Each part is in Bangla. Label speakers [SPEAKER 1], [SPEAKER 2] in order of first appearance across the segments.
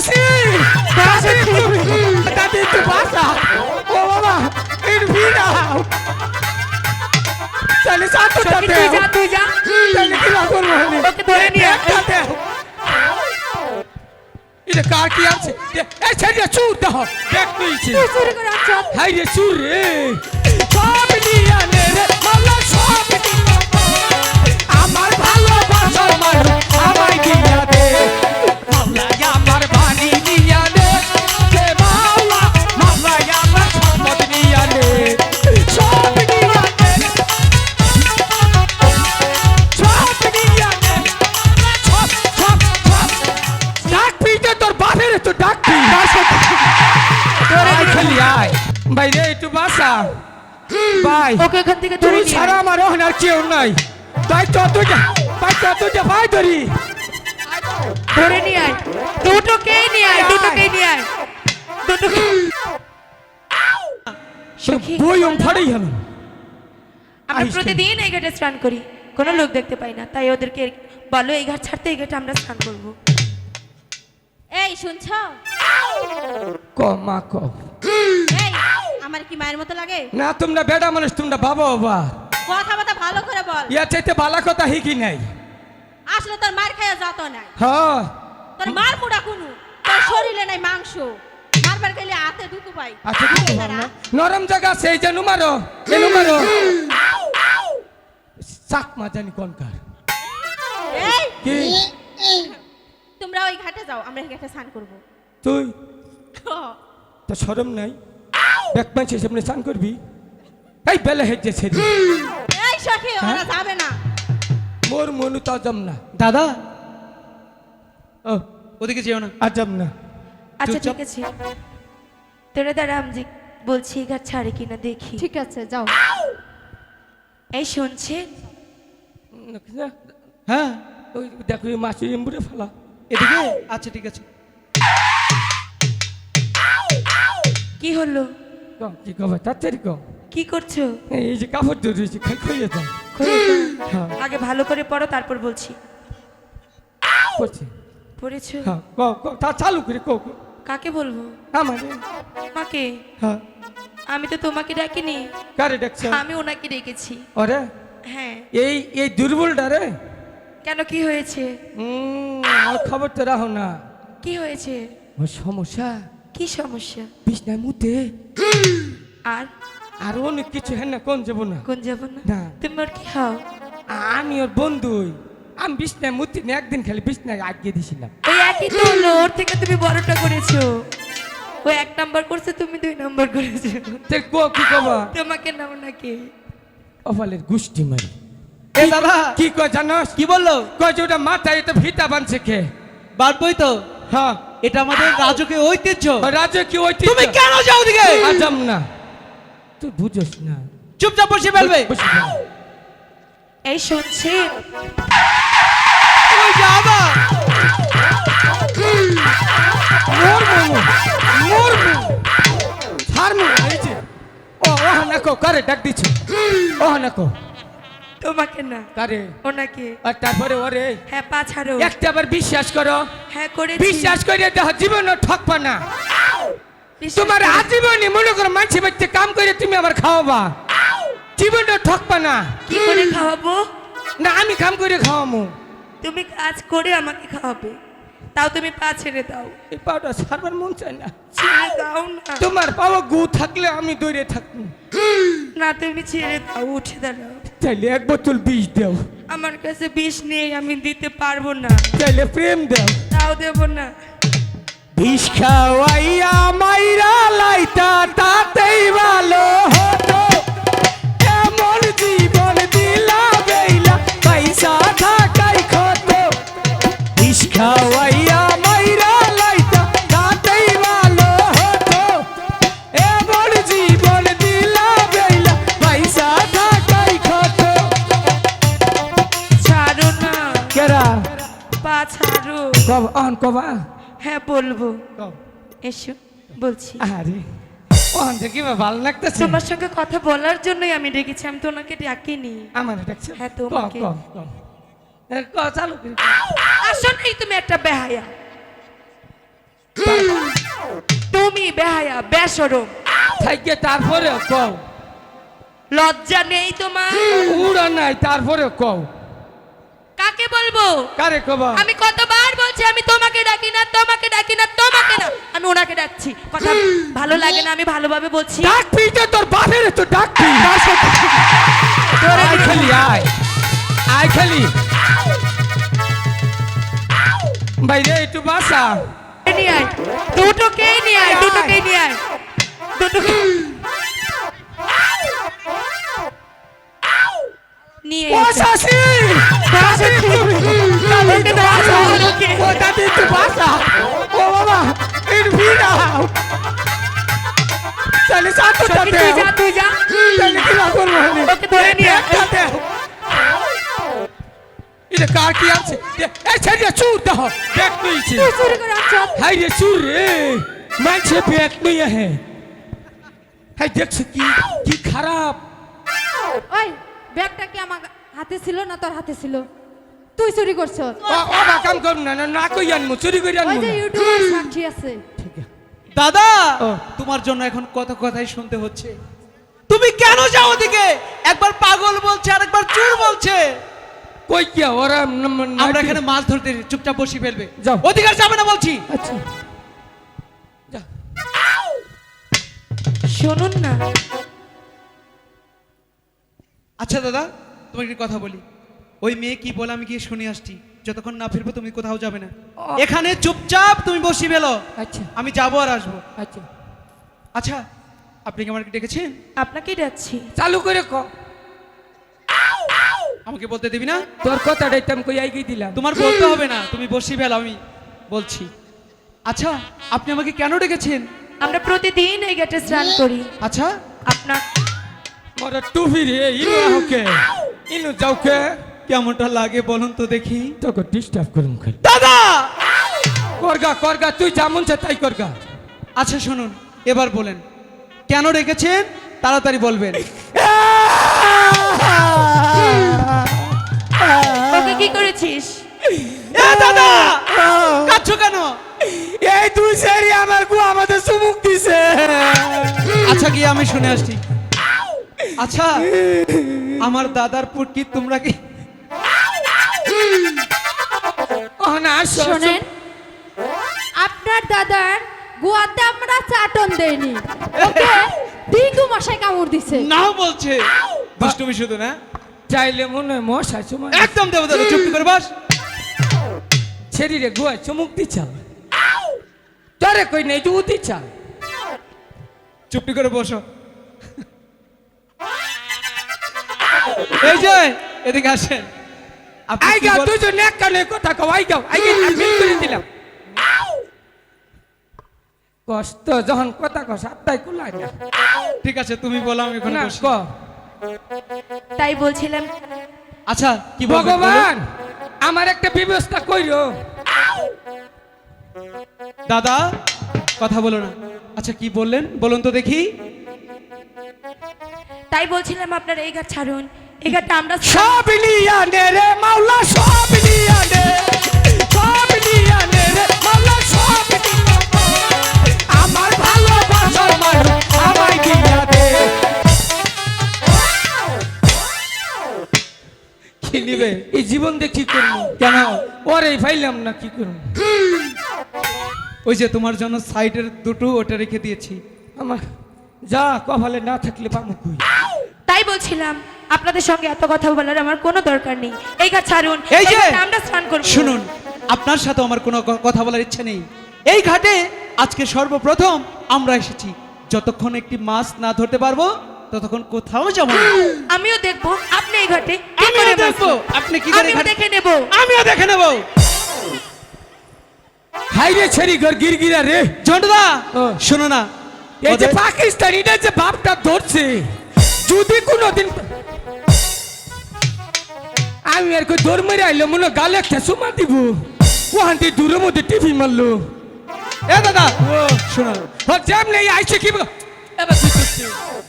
[SPEAKER 1] চাষি দাদি একটু বাসা ও বাবা একটু ভিড়াও চলে সাথে
[SPEAKER 2] তুই যা তুই যা
[SPEAKER 1] চলে কি করবো
[SPEAKER 2] ওকে ধরে নিয়ে আয়।
[SPEAKER 1] এটা কার কি আছে এই ছেড়ে চুর দাও দেখ তুইছি
[SPEAKER 2] তুই চুরি করে আনছ
[SPEAKER 1] হাই রে চুর রে সব নিয়া নে রে মাল্লা সব নিয়া আমার ভালোবাসার মানুষ আমায় দিয়া দে মাল্লা আমার বাড়ি নিয়া দে হে মাল্লা মাল্লা আমার সম্পদ নিয়া দে সব নিয়া দে সব নিয়া দে সব সব সব ডাক পিতে তোর বাপের তো ডাক পি তোরে খেলি আয় ভাই রে একটু বাসা ভাই
[SPEAKER 2] ওকে এখান থেকে ধরে
[SPEAKER 1] তুই
[SPEAKER 2] নিয়ে
[SPEAKER 1] ছাড়া আমার ওখানে কেউ নাই তাই চতুর্টা ভাই ধরি
[SPEAKER 2] ধরে নিয়ে আয় দুটোকেই নিয়ে আয় দুটোকেই নিয়ে আয় দুটোকে সখী
[SPEAKER 1] বই ফাড়াই হল
[SPEAKER 2] আমরা
[SPEAKER 1] আইস
[SPEAKER 2] প্রতিদিন এই ঘাটে স্নান করি কোনো লোক দেখতে পাই না তাই ওদেরকে বলো এই ঘাট ছাড়তে এই ঘাটে আমরা স্নান করবো
[SPEAKER 3] এই শুনছো
[SPEAKER 1] ক মা ক
[SPEAKER 3] এই আমার কি মায়ের মতো লাগে
[SPEAKER 1] না তোমরা বেড়া মানুষ তোমরা বাবা বাবা
[SPEAKER 3] কথাবার্তা ভালো করে বল
[SPEAKER 1] ইয়া চাইতে বালা কথা হিকি নাই
[SPEAKER 3] আসলে তোর মার খাইয়া যত নাই
[SPEAKER 1] হ্যাঁ
[SPEAKER 3] তোর মার মুড়া কুনু তোর শরীরে নাই মাংস মারবার গেলে হাতে ঢুকু পাই
[SPEAKER 1] আচ্ছা ঠিক আছে না নরম জায়গা সেই যে নুমারো এ নুমারো সাক মা জানি কোনকার
[SPEAKER 3] এই
[SPEAKER 1] কি
[SPEAKER 3] তোমরা ওই ঘাটে যাও আমরা এই ঘাটে স্নান করবো
[SPEAKER 1] তুই তো শরম নাই এক পাঁচের সামনে স্নান করবি এই বেলা হেঁটে ছেড়ে
[SPEAKER 3] এই সখী ওরা যাবে না
[SPEAKER 1] মোর মনু তো আজম না
[SPEAKER 4] দাদা
[SPEAKER 1] ও
[SPEAKER 4] ওদিকে যেও না
[SPEAKER 1] আজম না
[SPEAKER 2] আচ্ছা
[SPEAKER 4] চুপচাপ।
[SPEAKER 2] ঠিক আছে তোরা দাঁড়া আমি বলছি এই ঘাট ছাড়ে কিনা দেখি
[SPEAKER 3] ঠিক আছে যাও
[SPEAKER 2] এই শুনছেন
[SPEAKER 4] হ্যাঁ
[SPEAKER 1] ওই দেখো এই মাসি এমবুড়ে ফেলা
[SPEAKER 4] এদিকে আচ্ছা ঠিক আছে
[SPEAKER 2] কি হলো
[SPEAKER 1] কম কি কবে তাড়াতাড়ি কম
[SPEAKER 2] কি করছো
[SPEAKER 1] এই যে কাপড় ধরেছি খাই খাইয়ে দাও
[SPEAKER 2] খুলে দাও।
[SPEAKER 1] হ্যাঁ
[SPEAKER 2] আগে ভালো করে পড়ো তারপর বলছি
[SPEAKER 1] করছি
[SPEAKER 2] পড়েছো
[SPEAKER 1] হ্যাঁ তা চালু করে কো
[SPEAKER 2] কাকে বলবো
[SPEAKER 1] আমার
[SPEAKER 2] মাকে
[SPEAKER 1] হ্যাঁ
[SPEAKER 2] আমি তো তোমাকে ডাকিনি
[SPEAKER 1] কারে ডাকছ
[SPEAKER 2] আমি ওনাকে ডেকেছি
[SPEAKER 1] ওরে
[SPEAKER 2] হ্যাঁ
[SPEAKER 1] এই দুর্বলটা রে
[SPEAKER 2] কেন কি হয়েছে
[SPEAKER 1] আর খবর তো রাখো না
[SPEAKER 2] কি হয়েছে
[SPEAKER 1] ওর সমস্যা
[SPEAKER 2] কি সমস্যা
[SPEAKER 1] বিছনায় মুতে
[SPEAKER 2] আর
[SPEAKER 1] আর অনেক কিছু হ্যাঁ না কোন যাবো না
[SPEAKER 2] কোন যাব না
[SPEAKER 1] না।
[SPEAKER 2] তুমি ওর কি হও
[SPEAKER 1] আমি ওর বন্ধুই আমি বিছনায় মুতি না একদিন খালি বিছনায় আগিয়ে দিছিলাম
[SPEAKER 2] ওই একই তো হলো ওর থেকে তুমি বড়টা করেছো ও 1 নাম্বার করছে তুমি 2 নাম্বার করেছো
[SPEAKER 1] তে কো কি কবা
[SPEAKER 2] তোমাকে নাও নাকি
[SPEAKER 1] অফালের গুষ্টি মারি
[SPEAKER 4] এই দাদা
[SPEAKER 1] কি কয় জানোস
[SPEAKER 4] কি বললো
[SPEAKER 1] কয় যে ওটা মাথায় এটা ভিটা বানছে কে
[SPEAKER 4] বাদবই তো
[SPEAKER 1] হ্যাঁ
[SPEAKER 4] এটা আমাদের রাজকীয় ঐতিহ্য
[SPEAKER 1] রাজা কি ওই
[SPEAKER 4] তুমি কেন যাও ওদিকে
[SPEAKER 1] আজম না তুই বুঝোস না
[SPEAKER 4] চুপচাপ বসে ফেলবে
[SPEAKER 1] বসে ফেল।
[SPEAKER 2] এই শুনছেন
[SPEAKER 4] ওই যাবা
[SPEAKER 1] মোর মোমো মোর মোমো হার মোমো এই যে ও না কো কারে ডাক দিছে ও না কো
[SPEAKER 2] তোমাকে না
[SPEAKER 1] কারে
[SPEAKER 2] ওনাকে
[SPEAKER 1] আর তারপরে ওরে
[SPEAKER 2] হ্যাঁ পা ছাড়ো
[SPEAKER 1] একটা বার বিশ্বাস করো
[SPEAKER 2] হ্যাঁ করে
[SPEAKER 1] বিশ্বাস করে দেহ জীবন ঠকবা না তোমার আজীবনে মনে করো মানছি বাচ্চা কাম করে তুমি আমার খাওয়াবা জীবন ঠকবা না
[SPEAKER 2] কি করে খাওয়াবো
[SPEAKER 1] না আমি কাম করে খাওয়ামু
[SPEAKER 2] তুমি কাজ করে আমাকে খাওয়াবে তাও তুমি পা ছেড়ে দাও
[SPEAKER 1] এই পাউডা সারবার মন চায় না
[SPEAKER 2] ছেড়ে দাও না
[SPEAKER 1] তোমার পাওয়া গু থাকলে আমি দৌড়ে থাকবো
[SPEAKER 2] না তুমি ছেড়ে দাও উঠে দাঁড়াও
[SPEAKER 1] চাইলে এক বোতল বিষ দাও
[SPEAKER 2] আমার কাছে বিষ নেই আমি দিতে পারবো না
[SPEAKER 1] চাইলে প্রেম দাও
[SPEAKER 2] তাও দেব না
[SPEAKER 1] বিষ খাওয়াইয়া মাইরা লাইতা তাতেই ভালো হতো এমন জীবন দিলা বেইলা পয়সা থাকাই ক্ষত বিষ খাওয়াইয়া মাইরা লাইতা তাতেই ভালো হতো এমন জীবন দিলা বেইলা পয়সা থাকাই ক্ষত
[SPEAKER 2] ছাড়ো না
[SPEAKER 1] কেরা
[SPEAKER 2] পা ছাড়ো
[SPEAKER 1] কব অন কবা
[SPEAKER 2] হ্যাঁ বলবো
[SPEAKER 1] কব
[SPEAKER 2] এসো বলছি
[SPEAKER 1] আরে অন দেখি ভালো লাগতেছে
[SPEAKER 2] তোমার সঙ্গে কথা বলার জন্যই আমি ডেকেছি আমি তো ওনাকে ডাকিনি
[SPEAKER 1] আমার দেখছো
[SPEAKER 2] হ্যাঁ, তোমাকে।
[SPEAKER 1] চালু করি
[SPEAKER 2] আসো নাই তুমি একটা বেহায়া কি বেহায়া বেশরম,
[SPEAKER 1] থাইকে তারপরে কও।
[SPEAKER 2] লজ্জা নেই তোমার?
[SPEAKER 1] উড়া নাই তারপরে কও।
[SPEAKER 2] কাকে বলবো?
[SPEAKER 1] কারে কবা?
[SPEAKER 2] আমি কতবার বলছি আমি তোমাকে ডাকি না, তোমাকে ডাকি না, তোমাকে না, আমি ওনাকে ডাকছি। কথা ভালো লাগে না, আমি ভালোভাবে বলছি।
[SPEAKER 1] ডাকবি তো তোর বাপের তো ডাকবি।
[SPEAKER 2] ধরে
[SPEAKER 1] আয়
[SPEAKER 2] নিয়ে-
[SPEAKER 1] খালি আয়, আয় খালি। বাইরে একটু বাসা।
[SPEAKER 2] নিয়ে আয়, দুটোকেই নিয়ে আয়, দুটোকেই নিয়ে আয়, দুটোকে নিয়ে এসে।
[SPEAKER 1] বাসাসি
[SPEAKER 2] ওকে বাসা, ওকে।
[SPEAKER 1] ও দাদি একটু বাসা। ও বাবা একটু ভিড় চলে সাথে
[SPEAKER 2] সখী, তুই যা, তুই যা।
[SPEAKER 1] চলে কি না করবো
[SPEAKER 2] ওকে ধরে নিয়ে আয়।
[SPEAKER 1] এটা কার কি আছে? এই ছেড়ে চুর দাও ব্যাগ নিয়েছে।
[SPEAKER 3] তুই চুরি করে আনছ।
[SPEAKER 1] হাই রে চুর রে মানছে ব্যাগ নিয়ে হে। হাই দেখছো কি কি খারাপ।
[SPEAKER 3] ওই ব্যাগটা কি আমার হাতে ছিল না তোর হাতে ছিল? তুই চুরি করছ।
[SPEAKER 1] ও বা কাম করব না না কই আনমু চুরি করে
[SPEAKER 3] ওই
[SPEAKER 1] আনমু
[SPEAKER 3] যে ইউটিউবে সাক্ষী আছে।
[SPEAKER 4] দাদা
[SPEAKER 1] ও।
[SPEAKER 4] তোমার জন্য এখন কত কথাই শুনতে হচ্ছে। তুমি কেন যাও ওদিকে? একবার পাগল বলছে আর একবার চোর বলছে।
[SPEAKER 1] কই কি ওরা
[SPEAKER 4] আমরা এখানে মাছ ধরতে এসেছি, চুপচাপ বসি ফেলবে।
[SPEAKER 1] যাও।
[SPEAKER 4] ওদিকে আর যাবে না বলছি।
[SPEAKER 1] আচ্ছা যা।
[SPEAKER 2] শুনুন না,
[SPEAKER 4] আচ্ছা দাদা তোমাকে একটা কথা বলি। ওই মেয়ে কি বলে আমি গিয়ে শুনে আসছি। যতক্ষণ না ফিরবো তুমি কোথাও যাবে না।
[SPEAKER 1] ও।
[SPEAKER 4] এখানে চুপচাপ তুমি বসি ফেলো।
[SPEAKER 1] আচ্ছা
[SPEAKER 4] আমি যাবো আর আসবো।
[SPEAKER 1] আচ্ছা
[SPEAKER 4] আচ্ছা আপনি কি আমাকে ডেকেছেন?
[SPEAKER 2] আপনাকেই ডাকছি।
[SPEAKER 1] চালু করে ক।
[SPEAKER 4] আমাকে বলতে দিবি না?
[SPEAKER 1] তোর কথাটাই তো আমি কই আইগি দিলাম।
[SPEAKER 4] তোমার বলতে হবে না, তুমি বসি ফেলো, আমি বলছি। আচ্ছা আপনি আমাকে কেন ডেকেছেন?
[SPEAKER 2] আমরা প্রতিদিন এই গেটে স্নান করি।
[SPEAKER 4] আচ্ছা
[SPEAKER 2] আপনার
[SPEAKER 1] মোরা টুপি রে ইনু হোকে ইনু যাওকে
[SPEAKER 4] কেমনটা লাগে বলুন তো দেখি।
[SPEAKER 1] তোকে ডিস্টার্ব করুম খালি।
[SPEAKER 4] দাদা
[SPEAKER 1] করগা তুই যেমন চা তাই করগা।
[SPEAKER 4] আচ্ছা শুনুন, এবার বলেন কেন ডেকেছেন, তাড়াতাড়ি বলবেন।
[SPEAKER 2] ওকে কি করেছিস?
[SPEAKER 4] এ দাদা কাঁদছো কেন?
[SPEAKER 1] এই তুই সেরি আমার গু আমাদের চুমুক দিছে।
[SPEAKER 4] আচ্ছা গিয়ে আমি শুনে আসছি। আচ্ছা আমার দাদার পুটকি তোমরা কি
[SPEAKER 1] ও না আসো
[SPEAKER 3] শোনেন, আপনার দাদার গোয়াতে আমরা চাটন দেইনি, ওকে ডিঙ্গু মশাই কামড় দিছে।
[SPEAKER 4] নাও বলছে? দুষ্টুমি শুধু না,
[SPEAKER 1] চাইলে মনে হয় মশা চুমা
[SPEAKER 4] একদম দেবো দাদা, চুপ করে বস।
[SPEAKER 1] ছেড়ি রে গুয়া চুমুক দিছা তোরে কই নেই তুই দিছা।
[SPEAKER 4] চুপটি করে বসো। এই যে এদিকে আসেন। আপনি
[SPEAKER 1] আই
[SPEAKER 4] কি
[SPEAKER 1] গা
[SPEAKER 4] বল-
[SPEAKER 1] তুই তো নেক কানে কথা কও আই গাও আই গা আমি করে দিলাম। কষ্ট যখন কথা কস আত্মাই কুলাই না।
[SPEAKER 4] ঠিক আছে তুমি বলো, আমি এখন
[SPEAKER 1] না
[SPEAKER 4] বসি।
[SPEAKER 1] ক
[SPEAKER 2] তাই বলছিলাম
[SPEAKER 4] আচ্ছা কি বলবেন বলুন?
[SPEAKER 1] ভগবান আমার একটা ব্যবস্থা কইরো।
[SPEAKER 4] দাদা কথা বলো না। আচ্ছা কি বললেন বলুন তো দেখি।
[SPEAKER 2] তাই বলছিলাম আপনার এই ঘাট ছাড়ুন, এই ঘাটটা আমরা
[SPEAKER 1] সব নিয়া নে রে মাওলা সব নিয়া নে সব নিয়া নে রে মাওলা সব নিয়া নে। আমার ভালোবাসার মানুষ আমায় দিয়া দে।
[SPEAKER 4] কি নিবে?
[SPEAKER 1] এই জীবন দিয়ে কি করবো
[SPEAKER 4] কেন?
[SPEAKER 1] ওরে ফাইলাম না কি করবো।
[SPEAKER 4] ওই যে তোমার জন্য সাইডের দুটো ওটা রেখে দিয়েছি।
[SPEAKER 1] আমার যা কপালে না থাকলে পামু কই।
[SPEAKER 2] তাই বলছিলাম আপনাদের সঙ্গে এত কথা বলার আমার কোনো দরকার নেই। এই ঘাট ছাড়ুন,
[SPEAKER 4] এই যে
[SPEAKER 2] ঘাটে আমরা স্নান করব।
[SPEAKER 4] শুনুন, আপনার সাথে আমার কোনো কথা বলার ইচ্ছা নেই। এই ঘাটে আজকে সর্বপ্রথম আমরা এসেছি। যতক্ষণ একটি মাছ না ধরতে পারবো ততক্ষণ কোথাও যাবো না।
[SPEAKER 2] আমিও দেখবো আপনি এই ঘাটে কি
[SPEAKER 4] আমিও
[SPEAKER 2] করে মাছ
[SPEAKER 4] দেখবো আপনি কি করে
[SPEAKER 2] আমিও
[SPEAKER 4] ঘাটে-
[SPEAKER 2] দেখে নেব।
[SPEAKER 4] আমিও দেখে নেবো।
[SPEAKER 1] হাইরে ছেড়ি ঘর গিরগিরা রে।
[SPEAKER 4] ঝন্টুদা
[SPEAKER 1] ও।
[SPEAKER 4] শোনো না,
[SPEAKER 1] এই যে
[SPEAKER 4] ওদের-
[SPEAKER 1] পাকিস্তানিটা যে বাপটা ধরছে যদি কোনোদিন আমি আর কই দৌড় মেরে আইলো মনে হয় গালে একটা চুমা দিব ওখান থেকে দূরের মধ্যে টিভি মারলো।
[SPEAKER 4] এ দাদা শোনো,
[SPEAKER 1] ও জ্যাম নেই আইছে কি বলো? এবার কি করছে?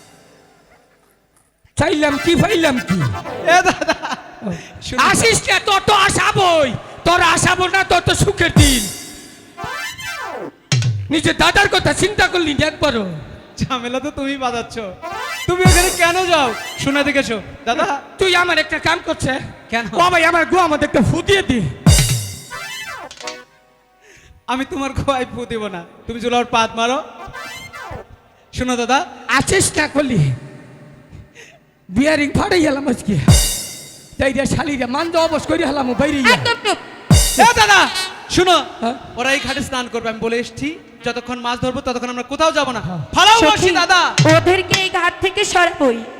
[SPEAKER 1] চাইলাম কি ফাইলাম কি
[SPEAKER 4] এ দাদা শোনো।
[SPEAKER 1] আসিস না তোর তো আসাবই তোর আসাবো না তোর তো সুখের দিন। নিজের দাদার কথা চিন্তা করলি না একবারও?
[SPEAKER 4] ঝামেলা তো তুমি বাজাচ্ছ। তুমি ওখানে কেন যাও? শুনে দেখেছো দাদা?
[SPEAKER 1] তুই আমার একটা কাম করছে
[SPEAKER 4] কেন?
[SPEAKER 1] ও ভাই আমার গো আমাদের একটা ফু দিয়ে দি।
[SPEAKER 4] আমি তোমার খোয়াই ফু দিব না, তুমি চুলার পাত মারো। শোনো দাদা,
[SPEAKER 1] আছিস না করলি বিয়ারিং ফাটাই গেলাম আজকে, তাই রে শালিরা মান্দ অবশ করে হলাম বাইরে
[SPEAKER 2] একদম চুপ।
[SPEAKER 4] এ দাদা শুনো,
[SPEAKER 1] হ্যাঁ?
[SPEAKER 4] ওরা এই ঘাটে স্নান করবে, আমি বলে এসছি যতক্ষণ মাছ ধরবো ততক্ষণ আমরা কোথাও যাব না। ফালাও
[SPEAKER 2] সখী,
[SPEAKER 4] বসি দাদা।
[SPEAKER 2] ওদেরকে এই ঘাট থেকে সরাবই।